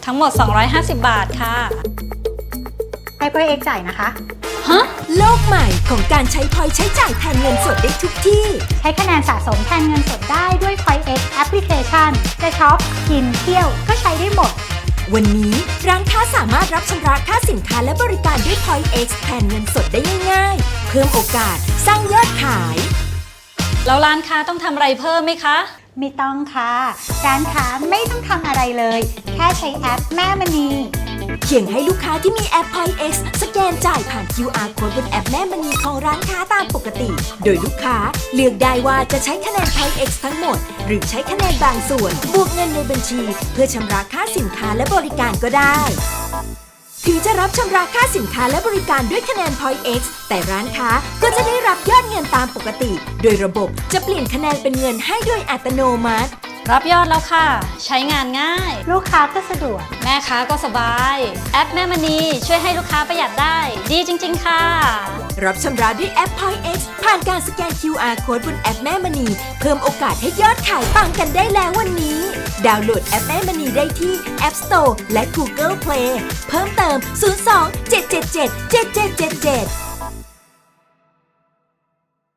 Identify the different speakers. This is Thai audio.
Speaker 1: ทั้งหมด 250 บาทค่ะ
Speaker 2: ให้พ่อเอกจ่ายนะคะ
Speaker 1: ฮะ
Speaker 3: โลกใหม่ของการใช้พอยต์ใช้จ่ายแทนเงินสดได้ทุกที่
Speaker 2: ใช้คะแนนสะสมแทนเงินสดได้ด้วย Point X Application จะช็อป กิน เที่ยวก็ใช้ได้หมด
Speaker 3: วันนี้ร้านค้าสามารถรับชำระค่าสินค้าและบริการด้วย Point X แทนเงินสดได้ง่ายๆ เพิ่มโอกาสสร้างยอดขาย
Speaker 1: แล้วร้านค้าต้องทำอะไรเพิ่มไหมคะ
Speaker 2: ไม่ต้องค่ะ ร้านค้าไม่ต้องทำอะไรเลย แค่ใช้แอปแม่มณี
Speaker 3: เพียงให้ลูกค้าที่มีแอป Point X สแกนจ่ายผ่าน QR Code บนแอปแม่มณีของร้านค้าตามปกติ โดยลูกค้าเลือกได้ว่าจะใช้คะแนน Point X ทั้งหมด หรือใช้คะแนนบางส่วน บวกเงินในบัญชี เพื่อชำระค่าสินค้าและบริการก็ได้ ถึงจะรับชำระค่าสินค้าและบริการด้วยคะแนน Point X แต่ร้านค้าก็จะได้รับยอดเงินตามปกติ โดยระบบจะเปลี่ยนคะแนนเป็นเงินให้โดยอัตโนมัติ
Speaker 1: รับยอดแล้วค่ะ ใช้งานง่าย
Speaker 2: ลูกค้าก็สะดวก
Speaker 1: แม่ค้าก็สบาย แอปแม่มณีช่วยให้ลูกค้าประหยัดได้ ดีจริง ๆ ค่ะ
Speaker 3: รับชำระด้วยแอป Point X ผ่านการสแกน QR Code บนแอปแม่มณีเพิ่มโอกาสให้ยอดขายปังกันได้แล้ววันนี้ ดาวน์โหลดแอปแม่มณีได้ที่ App Store และ Google Play เพิ่มเติม 02 777 7777